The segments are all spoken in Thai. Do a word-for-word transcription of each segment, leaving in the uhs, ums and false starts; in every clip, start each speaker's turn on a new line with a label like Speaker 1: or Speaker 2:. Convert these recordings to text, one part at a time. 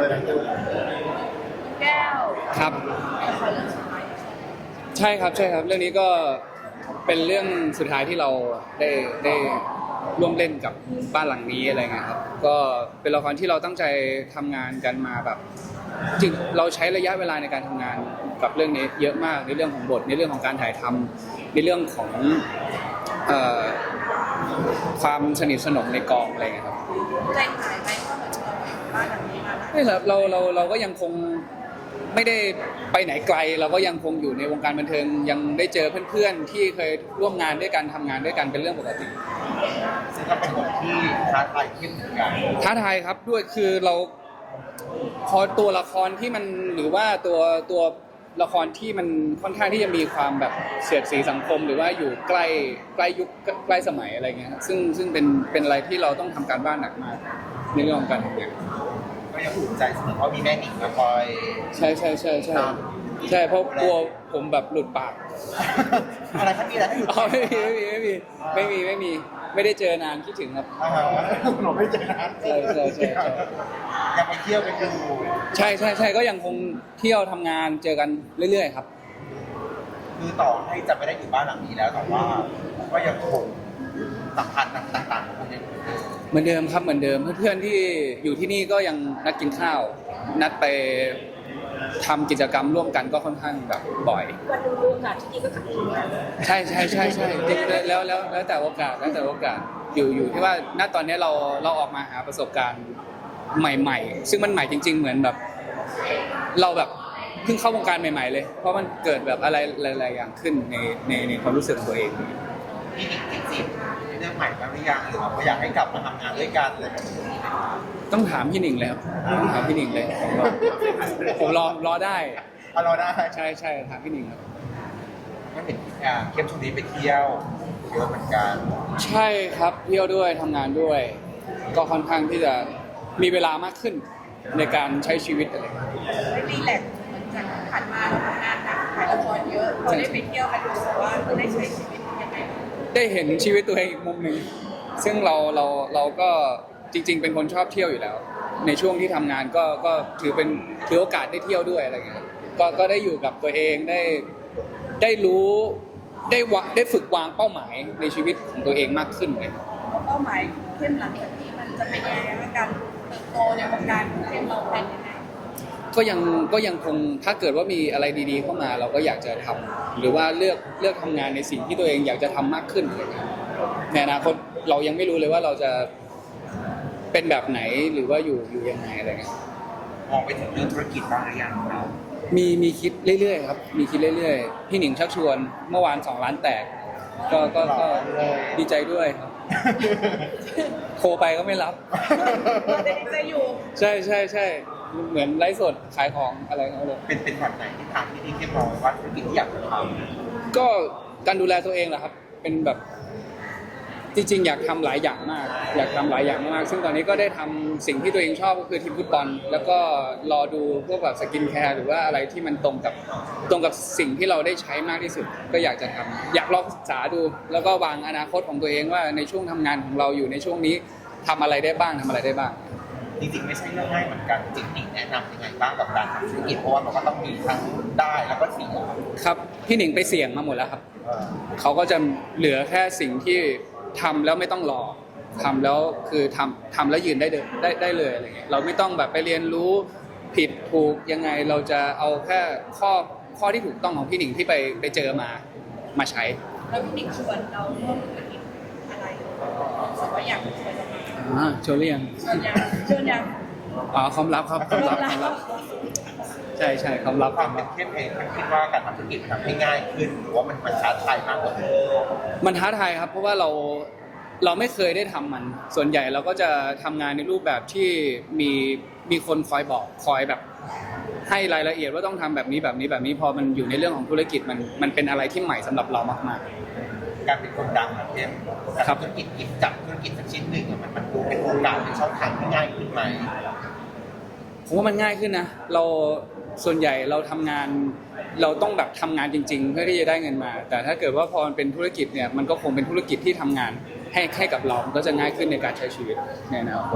Speaker 1: แก้ว
Speaker 2: ครับ
Speaker 1: ละครเรื่องสุดท้าย
Speaker 2: ใช่ครับใช่ครับเรื่องนี้ก็เป็นเรื่องสุดท้ายที่เราได้ได้ร่วมเล่นกับบ้านหลังนี้อะไรเงี้ยครับก็เป็นละครที่เราตั้งใจทำงานกันมาแบบจริงเราใช้ระยะเวลาในการทำงานกับเรื่องนี้เยอะมากในเรื่องของบทในเรื่องของการถ่ายทำในเรื่องของเอ่อความสนิทสนมในกองอะไรเงี้ยครับ
Speaker 1: ใจหายไหมเพราะเหมือนเราอยู่บ้านหลังนี้มานะ
Speaker 2: ไม่ครับเราเราเราก็ยังคงไม่ได้ไปไหนไกลเราก็ยังคงอยู่ในวงการบันเทิงยังได้เจอเพื่อนๆที่เคยร่วมงานด้วยกันทำงานด้วยกันเป็นเรื่องปกติ
Speaker 3: ซึ่งก็เป็นบทที่ท้าทายขึ้นเหมือนกัน
Speaker 2: ท้าทายครับด้วยคือเราพอตัวละครที่มันหรือว่าตัวตัวละครที่มันค่อนข้างที่จะมีความแบบเสียดสีสังคมหรือว่าอยู่ใกล้ใกล้ยุคใกล้สมัยอะไรเงี้ยซึ่งซึ่งเป็นเป็นอะไรที่เราต้องทำการบ้านหนักมากในเรื่องของการทำงาน
Speaker 3: ก็ยังภูมิใจเสมอเพราะมีแม่หนิงมาคอย
Speaker 2: ใช่ใช่ใช่ใช่ใช่เพราะกลัวผมแบบหลุดปาก
Speaker 3: อะไรถ้ามีอะไรที่หลุด
Speaker 2: ไม่มีไม่มีไม่มีไม่มีไม่มีไม่ได้เจอนานคิดถึงครับ
Speaker 3: หนูไม่เจอนาน
Speaker 2: ใช่ใช่ใช่
Speaker 3: ยังไปเที่ยวไปดู
Speaker 2: ใช่ใช่ใช่ก็ยังคงเที่ยวทำงานเจอกันเรื่อยๆครับ
Speaker 3: คือต่อให้จะไม่ได้อยู่บ้านหลังนี้แล้วแต่ว่าก็ยังคงสัมพันธ์ต่างๆของยัง
Speaker 2: เหมือนเดิมครับเหมือนเดิมเพื่อนๆที่อยู่ที่นี่ก็ยังนัดกินข้าวนัดไปทำกิจกรรมร่วมกันก็ค่อนข้างแบบบ่อย
Speaker 1: วันดูดูโอกาสที่ดีก็ขับรถ
Speaker 2: ใช่ใช่ใช่ใช่แล้วแล้วแล้วแต่โอกาสแล้วแต่โอกาสอยู่อยู่ที่ว่าณตอนนี้เราเราออกมาหาประสบการณ์ใหม่ๆซึ่งมันใหม่จริงๆเหมือนแบบเราแบบเพิ่งเข้าวงการใหม่ๆเลยเพราะมันเกิดแบบอะไรหลายๆอย่างขึ้นในในในความรู้สึกของตัวเอง
Speaker 3: พี่หนิงจริงๆเรื่องใหม่แล้วหรือยังหรือว่าอยากให้กลับมาทำงานด้วยกันเลย
Speaker 2: ต้องถามพี่หนิงเลยครับต้องถามพี่หนิงเลยผมรอรอได้
Speaker 3: รอได้
Speaker 2: ใช่ใช่ถามพี่หนิงครับ
Speaker 3: ก็เห็นเข้มช่วงนี้ไปเที่ยวเยอะเหมือนกัน
Speaker 2: ใช่ครับเที่ยวด้วยทำงานด้วย ก็ค่อนข้างที่จะมีเวลามากขึ้นในการใช้ชีวิตอะไร
Speaker 1: ได้รีแลกซ์เหมือนจากผ่านมาเราทำงานหนักถ่ายละครเยอะพอได้ไปเที่ยวมันรู้สึกว่าเราได้ใช้ชีวิตยังไง
Speaker 2: ได้เห็นชีวิตตัวเองอีกมุมหนึ่งซึ่งเราเราเราก็จริงๆเป็นคนชอบเที่ยวอยู่แล้วในช่วงที่ทำงานก็ก็ถือเป็นถือโอกาสได้เที่ยวด้วยอะไรเงี้ยก็ก็ได้อยู่กับตัวเองได้ได้รู้ได้วะได้ฝึกวางเป้าหมายในชีวิตของตัวเองมากขึ้นเลย
Speaker 1: เป้าหมายเข้มหลังจากนี้มันจะเป็นยังไงในการเติบโตในวงการเข้มเราเป็นยังไง
Speaker 2: ก็ยังก็ยังคงถ้าเกิดว่ามีอะไรดีๆเข้ามาเราก็อยากจะทำหรือว่าเลือกเลือกทำงานในสิ่งที่ตัวเองอยากจะทำมากขึ้นเลยในอนาคตเรายังไม่รู้เลยว่าเราจะเป็นแบบไหนหรือว่าอยู่อยู่ยังไงอะไรเงี้ย
Speaker 3: มองไปถึงเรื่องธุรกิจบ้างหรือยังเรา
Speaker 2: มีมีคิดเรื่อยๆครับมีคิดเรื่อยๆพี่หนิงชักชวนเมื่อวานสองล้านแตกก็ก็ก็ดีใจด้วยครับโทรไปก็ไม่รับ
Speaker 1: ดีใจอยู่
Speaker 2: ใช่ใช่ใช่เหมือนไลฟ์สดขายของอะไรเขาเลย
Speaker 3: เป็นเป็นแบบไหนที่ทางที่ที่เข้มมองว่าธุรกิจที่อยากจะท
Speaker 2: ำก็การดูแลตัวเองแหละครับเป็นแบบจริงๆอยากทำหลายอย่างมากอยากทำหลายอย่างมากซึ่งตอนนี้ก็ได้ทำสิ่งที่ตัวเองชอบก็คือทีมฟุตบอลแล้วก็รอดูพวกแบบสกินแคร์หรือว่าอะไรที่มันตรงกับตรงกับสิ่งที่เราได้ใช้มากที่สุดก็อยากจะทำอยากลองศึกษาดูแล้วก็วางอนาคตของตัวเองว่าในช่วงทำงานของเราอยู่ในช่วงนี้ทำอะไรได้บ้างทำอะไรได้บ้าง
Speaker 3: จริงๆไม่ใช่เรื่องง่ายเหมือนกันจริงๆแนะนำยังไงบ้างกับการทำธุรกิจเพราะว่ามันก็ต้องมีทั้งได้แล้วก็เสี่ยง
Speaker 2: ครับพี่หนิงไปเสี่ยงมาหมดแล้วครับเขาก็จะเหลือแค่สิ่งที่ทำแล้วไม่ต้องรอทำแล้วคือทำทำแล้วยืนได้ได้ได้เลยอะไรเงี้ยเราไม่ต้องแบบไปเรียนรู้ผิดถูกยังไงเราจะเอาแค่ข้อข้อที่ถูกต้องของพี่หนิงที่ไปไปเจอมามาใช้
Speaker 1: แล้วพี่หนิงชวนเราร่วมธุรกิจอะไรสมมติอยากชวนเรา
Speaker 2: อ่าชวนเรียง
Speaker 1: ชวนยังชวนยัง
Speaker 2: อ๋อความลับครับความลับความลับใช่ใช่ความลับ
Speaker 3: ความเป็นเข้มเองคิดว่าการทำธุรกิจทำให้ง่ายขึ้นหรือว่ามันมันท้าทายมากกว่า
Speaker 2: มันท้าทายครับเพราะว่าเราเราไม่เคยได้ทำมันส่วนใหญ่เราก็จะทำงานในรูปแบบที่มีมีคนคอยบอกคอยแบบให้รายละเอียดว่าต้องทำแบบนี้แบบนี้แบบนี้พอมันอยู่ในเรื่องของธุรกิจมันมันเป็นอะไรที่ใหม่สำหรับเรามาก
Speaker 3: ๆการเป็นคนดังแบบเข้มทำธุรกิจหยิบจับธุรกิจสักชิ้นหนึ่งมันมันดูเป็นโอกาสเป็นช่องทางที่ง่ายขึ้นไหม
Speaker 2: ผมว่ามันง่ายขึ้นนะเราส่วนใหญ่เราทำงานเราต้องแบบทำงานจริงๆเพื่อที่จะได้เงินมาแต่ถ้าเกิดว่าพอมันเป็นธุรกิจเนี่ยมันก็คงเป็นธุรกิจที่ทำงานให้ให้กับเรามันก็จะง่ายขึ้นในการใช้ชีวิตในอนาคต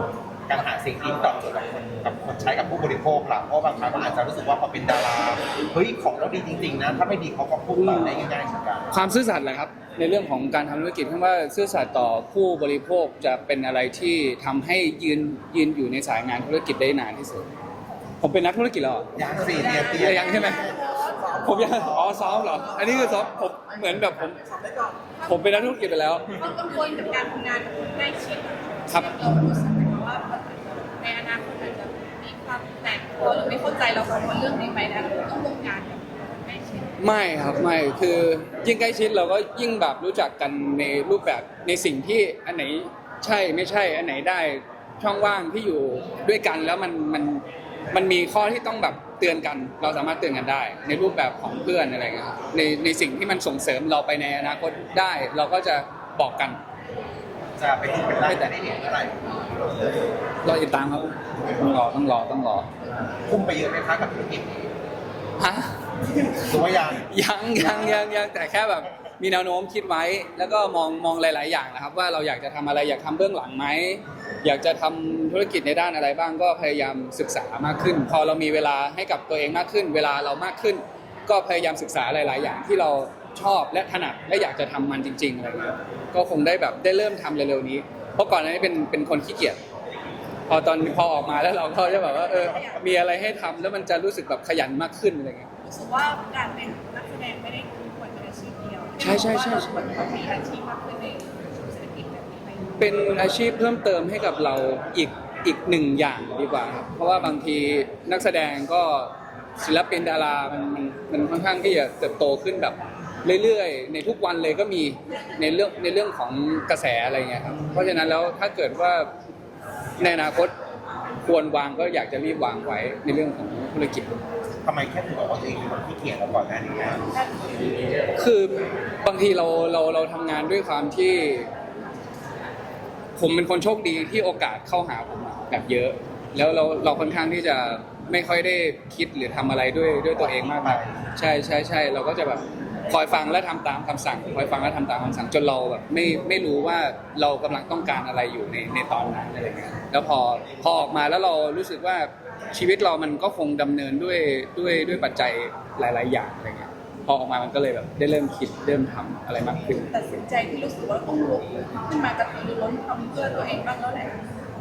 Speaker 3: การหาสิ่งที่ตอบโจทย์กับคนกับคนใช้กับผู้บริโภคล่ะเพราะบางครั้งมันอาจจะรู้สึกว่าพอเป็นดาราเฮ้ยของเราดีจริงๆนะถ้าไม่ดีเขาก็พูดต่อได้ง่ายๆเหมือนกัน
Speaker 2: ความซื่อสัตย์แหละครับในเรื่องของการทำธุรกิจคำว่าซื่อสัตย์ต่อผู้บริโภคจะเป็นอะไรที่ทำให้ยืนยืนอยู่ในสายงานธุรกิจได้นานที่สุดผมเป็นนักธุรกิจแล้วเหรอ
Speaker 3: ยังสี่เตียเตีย
Speaker 2: ยังใช่ไหมผมยังอ๋อซ้อมเหรออันนี้คือซ้อมผมเหมือนแบบผมผมเป็นนักธุรกิจไปแล้ว
Speaker 1: ต้องกังวลกับการทำงานกับคนใกล้ชิด
Speaker 2: ครับ
Speaker 1: เรารู้สึกไหมว่าในอนาคตอาจจะมีความแตกตัวหรือไม่เข้าใจเรากังวลเรื่องนี้ไหมนะเราต้องร่วมงานกับคนใกล้ชิด
Speaker 2: ไม่ครับไม่คือยิ่งใกล้ชิดเราก็ยิ่งแบบรู้จักกันในรูปแบบในสิ่งที่อันไหนใช่ไม่ใช่อันไหนได้ช่องว่างที่อยู่ด้วยกันแล้วมันมันมันมีข้อที่ต้องแบบเตือนกัน เราสามารถเตือนกันได้ ในรูปแบบของเพื่อนอะไรเงี้ยครับในในสิ่งที่มันส่งเสริมเราไปในอนาคตได้ เราก็จะบอกกัน
Speaker 3: จะไปถึงเป็นได้แต่ได้เห็นเมื่อไหร่
Speaker 2: รอติดตามครับต้องรอต้องรอต้องรอ
Speaker 3: คุ้มไปเยอะไหมคะกับธุรกิจนี้
Speaker 2: ฮะ
Speaker 3: หรือว่ายัง
Speaker 2: ยังยังยังยังแต่แค่แบบมีแนวโน้มคิดไว้ แล้วก็มองมองหลาย ๆ อย่างนะครับ ว่าเราอยากจะทำอะไรอยากทำเบื้องหลังไหมอยากจะทำธุรกิจในด้านอะไรบ้างก็พยายามศึกษามากขึ้น พอเรามีเวลาให้กับตัวเองมากขึ้น เวลาเรามากขึ้น ก็พยายามศึกษาหลาย ๆ อย่างที่เราชอบและถนัดและอยากจะทำมันจริง ๆ อะไรเงี้ยก็คงได้แบบได้เริ่มทำเร็ว ๆ นี้ เพราะก่อนหน้านี้เป็นเป็นคนขี้เกียจพอตอนพอออกมาแล้วเราก็จะแบบว่าเออมีอะไรให้ทำแล้วมันจะรู้สึกแบบขยันมากขึ้นอะไรเงี้ย
Speaker 1: รู้สึกว่าการเป็นนักแสดงไม่ได้คือควรเป็นอาชีพเดียว
Speaker 2: ใช่ใช่ใช่
Speaker 1: ว่าเราควรต้องมีอาชีพมากขึ้นในเศรษฐกิจแบบนี้ไหม
Speaker 2: เป็นอาชีพเพิ่มเติมให้กับเราอีกอีกหนึ่งอย่างดีกว่าครับเพราะว่าบางทีนักแสดงก็ศิลปินดารามันมันมันค่อนข้างที่จะเติบโตขึ้นแบบเรื่อยๆในทุกวันเลยก็มีในเรื่องในเรื่องของกระแสอะไรเงี้ยครับเพราะฉะนั้นแล้วถ้าเกิดว่าในอนาคตควรวางก็อยากจะรีบวางไว้ในเรื่องของธุรกิจ
Speaker 3: ทำไมแค่ถึงบอกว่าตัวเองเป็นคนขี้เกียจแล้วก่อนหน้านี้อะ
Speaker 2: คือบางทีเราเราเราทำงานด้วยความที่ ผมเป็นคนโชคดีที่โอกาสเข้าหาผมแบบเยอะ แล้วเราเราค่อนข้างที่จะไม่ค่อยได้คิดหรือทำอะไรด้วยด้วยตัวเองมากมายใช่ใช่ใช่เราก็จะแบบคอยฟังและทำตามคำสั่งคอยฟังและทำตามคำสั่งจนเราแบบไม่ไม่รู้ว่าเรากำลังต้องการอะไรอยู่ในในตอนนั้นอะไรเงี้ยแล้วพอพอออกมาแล้วเรารู้สึกว่าชีวิตเรามันก็คงดำเนินด้วยด้วยด้วยปัจจัยหลาย ๆ อย่างอะไรเงี้ยพอออกมามันก็เลยแบบได้เริ่มคิดเริ่มทำอะไรมากขึ้น
Speaker 1: ตัดสินใจที่รู้สึกว่าต้องลุกขึ้นมากระตือรือร้นทำเพื่อตัวเองบ้างแล้วแหละ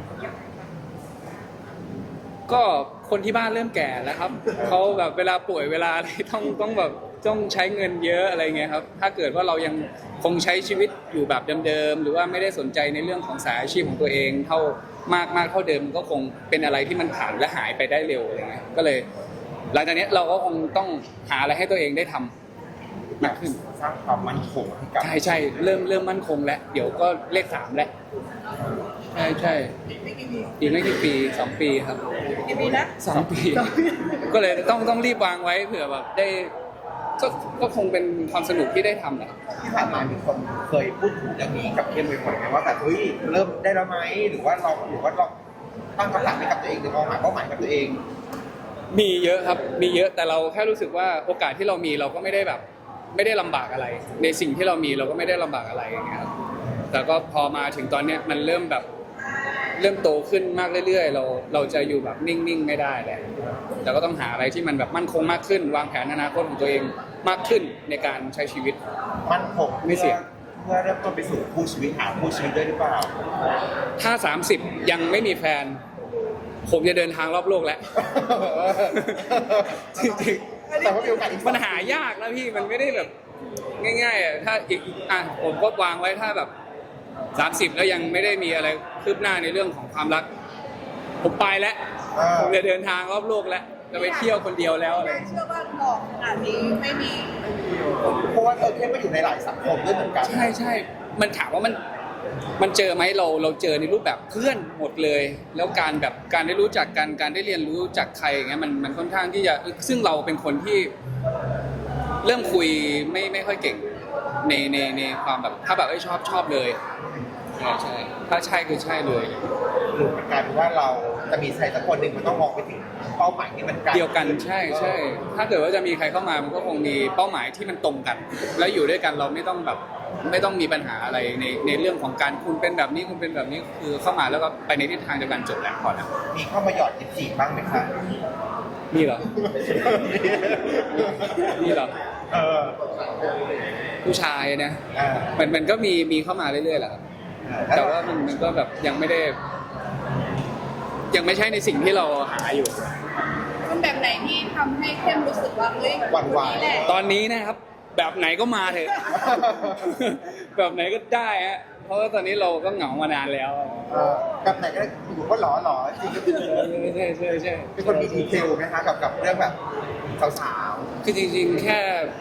Speaker 2: ก็คนที่บ้านเริ่มแก่แล้วครับ เขาแบบเวลาป่วยเวลาอะไรต้องต้องแบบต้องใช้เงินเยอะอะไรเงี้ยครับถ้าเกิดว่าเรายังคงใช้ชีวิตอยู่แบบเดิมๆหรือว่าไม่ได้สนใจในเรื่องของสายอาชีพของตัวเองเท่ามากมากเท่าเดิมก็คงเป็นอะไรที่มันผ่านและหายไปได้เร็วอะไรเงี้ยก็เลยหลังจากนี้เราก็คงต้องหาอะไรให้ตัวเองได้ทำมากขึ้น
Speaker 3: สร้างความมั่นคงให้กับ
Speaker 2: ใช่ใช่เริ่มเริ่มมั่นคงแล้วเดี๋ยวก็เลขสามแล้วใช่ใช่
Speaker 1: ไม่กี่ปี
Speaker 2: อีกไม่กี่ปีสองปีครับ
Speaker 1: กี่ปีนะ
Speaker 2: สองปี ก็เลยต้องต้องรีบวางไว้เผื่อแบบได้ก็ก็คงเป็นความสนุกที่ได้ทำแหละ
Speaker 3: ที่ผ่านมามีคนเคยพูดถึงเรื่องนี้กับเคนบ่อยๆไหมว่าแบบเฮ้ยเริ่มได้แล้วไหมหรือว่าเราหรือว่าเราตั้งคำถามให้กับตัวเองหรือมองหาเป้าหมายกับตัวเอง
Speaker 2: มีเยอะครับมีเยอะแต่เราแค่รู้สึกว่าโอกาสที่เรามีเราก็ไม่ได้แบบ ไม่ได้ลำบากอะไร ในสิ่งที่เรามีเราก็ไม่ได้ลำบากอะไรอย่างเงี้ยครับแต่ก็พอมาถึงตอนเนี้ยมันเริ่มแบบเริ่มโตขึ้นมากเรื่อยๆ เราเราจะอยู่แบบนิ่งๆไม่ได้แหละแต่ก็ต้องหาอะไรที่มันแบบมั่นคงมากขึ้น วางแผนอนาคตของตัวเองมากขึ้นในการใช้ชีวิต
Speaker 3: มั่นคง
Speaker 2: ไม่เสี่ยง
Speaker 3: เพื่อเริ่มต้นไปสู่คู่ชีวิตหาคู่ชีวิตด้วยหรือเปล่า
Speaker 2: ถ้าสามสิบยังไม่มีแฟน ผมจะเดินทางรอบโลกแล้ว จริงๆ
Speaker 3: แต่ว่ามีโอกาสอีก
Speaker 2: มันหายากนะพี่มันไม่ได้แบบง่ายๆอ่ะถ้าอีกอ่ะผมก็วางไว้ถ้าแบบสามสิบแล้วยังไม่ได้มีอะไรคืบหน้าในเรื่องของความรัก ผมไปแล้ว
Speaker 3: อ่า
Speaker 2: ผมจะเดินทางรอบโลกแล้วจะไปเที่ยวคนเดียวแล้วอะไร
Speaker 1: ไม่เชื่อว่าหลอกขนาดนี้ไม่มี
Speaker 3: เพราะว่าเธอเข้มมาอยู่ในหลายสังคมด้วยเหมือนกัน
Speaker 2: ใช่ใช่มันถามว่ามันมันเจอไหมเราเราเจอในรูปแบบเพื่อนหมดเลย แล้วการแบบการได้รู้จักกันการได้เรียนรู้จากใครอย่างเงี้ยมันมันค่อนข้างที่จะซึ่งเราเป็นคนที่ เริ่มคุยไม่ไม่ค่อยเก่งในในในความแบบถ้าแบบเอ้ยชอบชอบเลยใช่ใช่ถ้าใช่คือใช่เลย
Speaker 3: หรือมันกลายเป็นว่าเราจะมีใครสักคนหนึ่งมันต้องมองไปถึงเป้าหมายที่มันไกล
Speaker 2: เดียวกันใช่ใช่ถ้าเกิดว่าจะมีใครเข้ามามันก็คงมีเป้าหมายที่มันตรงกัน แล้วอยู่ด้วยกันเราไม่ต้องแบบไม่ต้องมีปัญหาอะไรในในเรื่องของการคุณเป็นแบบนี้คุณเป็นแบบนี้คือเข้ามาแล้วก็ไปในทิศทางเดียวกันจบแล้วพอแล้ว
Speaker 3: มีเข้ามาหยอดจีบบ้างไหมคะ
Speaker 2: มีเหรอ มีเหรอ
Speaker 3: เออ
Speaker 2: ผู้ชายนะ
Speaker 3: อ่า
Speaker 2: มันมันก็มีมีเข้ามาเรื่อยๆแหละครับแต่ว่ามันมันก็แบบยังไม่ได้ ยังไม่ใช่ในสิ่งที่เราหาอยู่
Speaker 1: คนแบบไหนที่ทำให้เข้มรู้สึกว่าเฮ้ย
Speaker 3: หวั่นไหว
Speaker 1: คนนี้แหละ
Speaker 2: ตอนนี้นะครับ แบบไหนก็มาเถอะ แบบไหนก็ได้ฮะเพราะว่าตอนนี้เราก็เหงามานานแล้ว
Speaker 3: เออกับไหนก็ได้อยู่ก็หล่อหล่อจริง
Speaker 2: ใช่ใช่ใช่
Speaker 3: ๆเป็นคนมีดีเทลไหมคะกับกับเรื่องแบบสาว
Speaker 2: คือจริงๆ แค่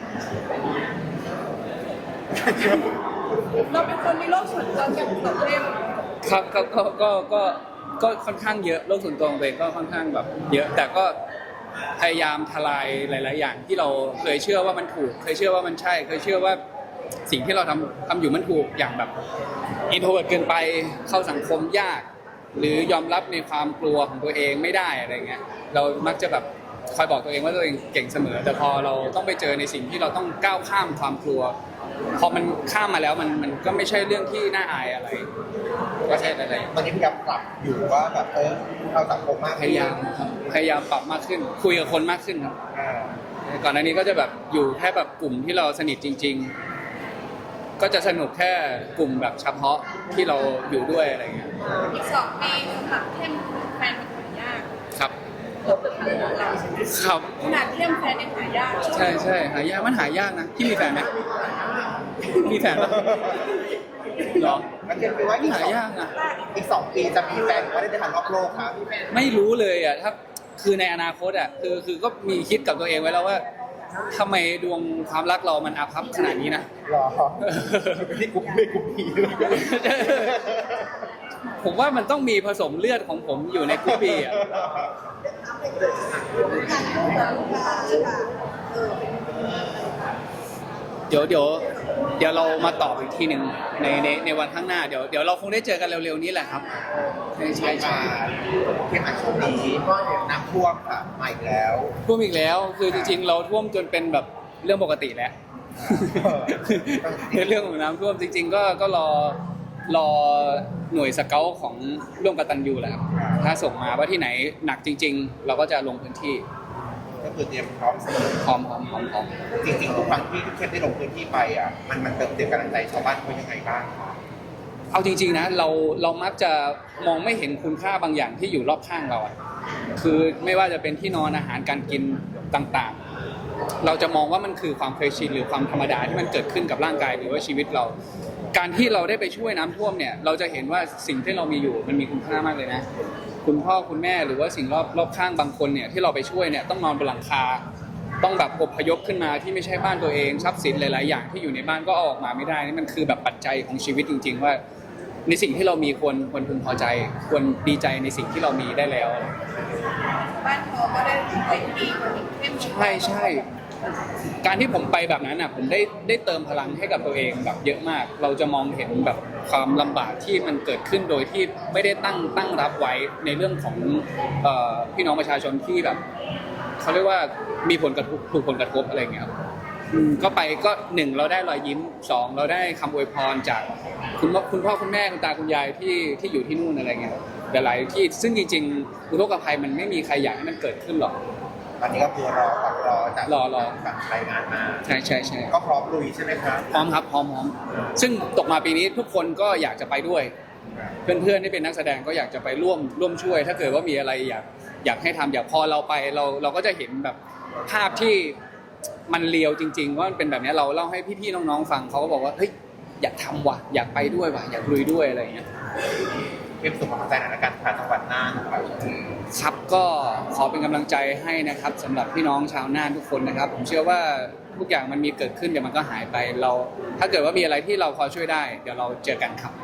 Speaker 1: เราเป็นคนมีโรคส่วนตัวเกี่ยวกับเข้ม
Speaker 2: ครับครับก็ก็ก็ก็ค่อนข้างเยอะโลกส่วนตัวของตัวเองก็ค่อนข้างแบบเยอะ แต่ก็พยายามทลายหลาย ๆ อย่างที่เราเคยเชื่อว่ามันถูก เคยเชื่อว่ามันใช่ เคยเชื่อว่าสิ่งที่เราทำทำอยู่มันถูกอย่างแบบอินโทรเวิร์ตเกินไปเข้าสังคมยาก หรือยอมรับในความกลัวของตัวเองไม่ได้อะไรเงี้ยเรามักจะแบบคอยบอกตัวเองว่าตัวเองเก่งเสมอ แต่พอเราต้องไปเจอในสิ่งที่เราต้องก้าวข้ามความกลัว พอมันข้ามมาแล้วมันมันก็ไม่ใช่เรื่องที่น่าอายอะไรก็ใช่อะไร
Speaker 3: ๆตอนนี้พยายามปรับอยู่ว่าแบบเออเราสังคมมาก
Speaker 2: พยายามครับพยายามปรับมากขึ้น คุยกับคนมากขึ้นครับ
Speaker 3: อ่า
Speaker 2: ก่อนหน้านี้ก็จะแบบอยู่แค่แบบกลุ่มที่เราสนิทจริง ๆ ก็จะสนุกแค่กลุ่มแบบเฉพาะที่เราอยู่ด้วยอะไรเงี้ย
Speaker 1: อีกสองปีสำหรับเข้มแฟนเป็นคนยาก
Speaker 2: ครับ
Speaker 1: เราเป็นคนของเรา
Speaker 2: ครับ
Speaker 1: ขนาดเข้มแฟนยังหายาก
Speaker 2: ใช่ใช่หายากมันหายากนะพี่มีแฟนไหมมีแฟนปะหรอ
Speaker 3: แล้วเรียนไปว่าอีกสอง
Speaker 2: หายากนะ
Speaker 3: อีกสองปีจะมีแฟนก็ได้เดินทางรอบโลกครับ
Speaker 2: ไม่รู้เลยอ่ะถ้าคือในอนาคตอ่ะคือคือก็มีคิดกับตัวเองไว้แล้วว่าทำไมดวงความรักเรามันอาภัพขนาดนี้นะ
Speaker 3: รอที่กลุ่มไม่กลุ่มพี
Speaker 2: ผมว่ามันต้องมีผสมเลือดของผมอยู่ในกรุ๊ปบีอ่ะเดี๋ยวเดี๋ยวเดี๋ยวเรามาตอบอีกทีหนึ่งในในในวันข้างหน้าเดี๋ยวเดี๋ยวเราคงได้เจอกันเร็วๆนี้แหละครับใช่ใช่ใช่
Speaker 3: เข้มอันช่วงนี้น้ำท่วมค่ะมาอีกแล้ว
Speaker 2: ท่วมอีกแล้วคือจริงๆ เราท่วมจนเป็นแบบเรื่องปกติแล้วในเรื่องของน้ำท่วมจริง ๆ ก็ก็รอรอหน่วยสเกลของร่วมกตัญญูแหละครับถ้าส่งมาว่าที่ไหนหนักจริง ๆ เราก็จะลงพื้นที่
Speaker 3: ก็คือเตรียมพร้อมเสมอ
Speaker 2: พร้อมพร้อมพร้อมพร้อม
Speaker 3: จริงๆทุกครั้งที่เข้มได้ลงพื้นที่ไปอ่ะมันมันเติมเต็มกำลังใจชาวบ้านเขายังไงบ้าง
Speaker 2: เอาจริงๆนะเราเรามักจะมองไม่เห็นคุณค่าบางอย่างที่อยู่รอบข้างเราอะคือไม่ว่าจะเป็นที่นอนอาหารการกินต่างๆ เราจะมองว่ามันคือความเคยชินหรือความธรรมดาที่มันเกิดขึ้นกับร่างกายหรือว่าชีวิตเรา การที่เราได้ไปช่วยน้ำท่วมเนี่ยเราจะเห็นว่าสิ่งที่เรามีอยู่มันมีคุณค่ามากเลยนะ คุณพ่อคุณแม่หรือว่าสิ่งรอบรอบข้างบางคนเนี่ยที่เราไปช่วยเนี่ยต้องนอนบนหลังคา ต้องแบบอพยพขึ้นมาที่ไม่ใช่บ้านตัวเองทรัพย์สินหลายๆอย่างที่อยู่ในบ้านก็เอาออกมาไม่ได้นี่มันคือแบบปัจจัยของชีวิตจริง ๆ ว่า ในสิ่งที่เรามีควรควรพึงพอใจ ควรดีใจในสิ่งที่เรามีได้แล้ว
Speaker 1: บ้านเขาก็ได้ไปดีกว่าเข้ม
Speaker 2: ใช่ใช่การที่ผมไปแบบนั้นอ่ะผมได้ได้เติมพลังให้กับตัวเองแบบเยอะมาก เราจะมองเห็นแบบความลำบากที่มันเกิดขึ้นโดยที่ไม่ได้ตั้งตั้งรับไว้ในเรื่องของเอ่อพี่น้องประชาชนที่แบบเขาเรียกว่ามีผลกระทบถูกผลกระทบอะไรเงี้ยครับอืมก็ไปก็หนึ่งเราได้รอยยิ้มสองเราได้คำอวยพรจากคุณพ่อคุณพ่อคุณแม่คุณตาคุณยายที่ที่อยู่ที่นู่นอะไรเงี้ยหลายๆที่ซึ่งจริงๆอุทกภัยมันไม่มีใครอยากให้มันเกิดขึ้นหรอก
Speaker 3: ตอนนี้ก็คือรอฝั่งรอจาก
Speaker 2: รอรอ
Speaker 3: ฝั่งรายงานมา
Speaker 2: ใช่ใช่ใช่
Speaker 3: ก็พร้อมลุยใช่ไหมครับ
Speaker 2: พร้อมครับพร้อมพร้อมซึ่งตกมาปีนี้ทุกคนก็อยากจะไปด้วย เพื่อนๆที่เป็นนักแสดงก็อยากจะไปร่วมร่วมช่วย ถ้าเกิดว่ามีอะไรอยากอยากให้ทำอยากพอเราไปเราเราก็จะเห็นแบบภาพที่มันเลียวจริง ๆ ว่ามันเป็นแบบนี้เราเล่าให้พี่ๆน้องๆฟังเขาก็บอกว่าเฮ้ยอยากทำว่ะอยากไปด้วยว่ะอยากลุยด้วยอะไรอย่างเงี้ย
Speaker 3: เป็นสุขภาพใจหน่อยละกันผ่านจังหวัดน่านครับ
Speaker 2: ครับก็ขอเป็นกำลังใจให้นะครับสำหรับพี่น้องชาวน่านทุกคนนะครับ ผมเชื่อว่าทุกอย่างมันมีเกิดขึ้นเดี๋ยวมันก็หายไปเรา ถ้าเกิดว่ามีอะไรที่เราพอช่วยได้ เดี๋ยวเราเจอกันครับ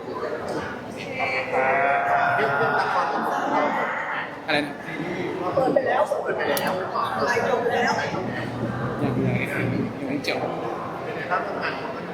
Speaker 2: อะไรนะ
Speaker 1: เปิดไปแล้วเปิดไปแล้วไลฟ์จบแล้ว
Speaker 2: ยังไงยังไม่จบ
Speaker 3: เป็นไงครับทำงาน